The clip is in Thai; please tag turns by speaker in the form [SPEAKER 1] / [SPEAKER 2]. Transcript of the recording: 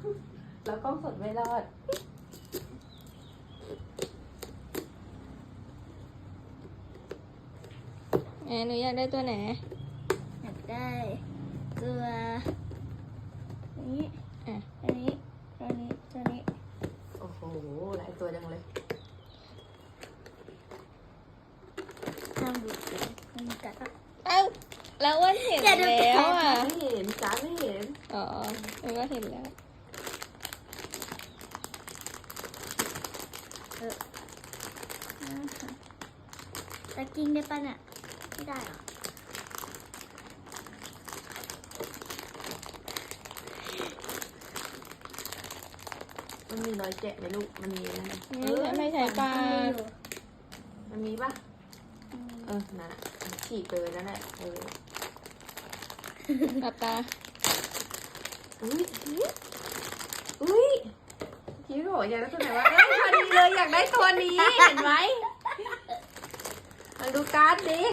[SPEAKER 1] แล้วกล้องสดไม่รอด
[SPEAKER 2] หนูอยากได้ตัวไหน
[SPEAKER 3] อยากได้ตัวนี้อันนี้ตัวนี้
[SPEAKER 1] โอ้โหหลายตัวจังเลย
[SPEAKER 3] ห้ามดูดมันกัด
[SPEAKER 2] เอ้าแล้วอ้วนเห็นแล้วอ่ะ
[SPEAKER 1] ไม่เห็นจ้าไม่เห็น
[SPEAKER 2] อ๋อหนูก็เห็นแล้ว
[SPEAKER 3] ตะกิ้งได้ป่ะเนี่ยไม่ได้หรอ
[SPEAKER 1] มันมีรอยแกะไหมลูกมันมีนะ
[SPEAKER 2] ไม่ใช่ปลา
[SPEAKER 1] มันมีป่ะนะฉีกเลยนั่นแหละ
[SPEAKER 2] หลับตา
[SPEAKER 1] อุ้ยคิดว่าอยากได้ตัวไหนวะพอดีเลยอยากได้ตัวนี้เห็นไหมมาดูการ์ดดิ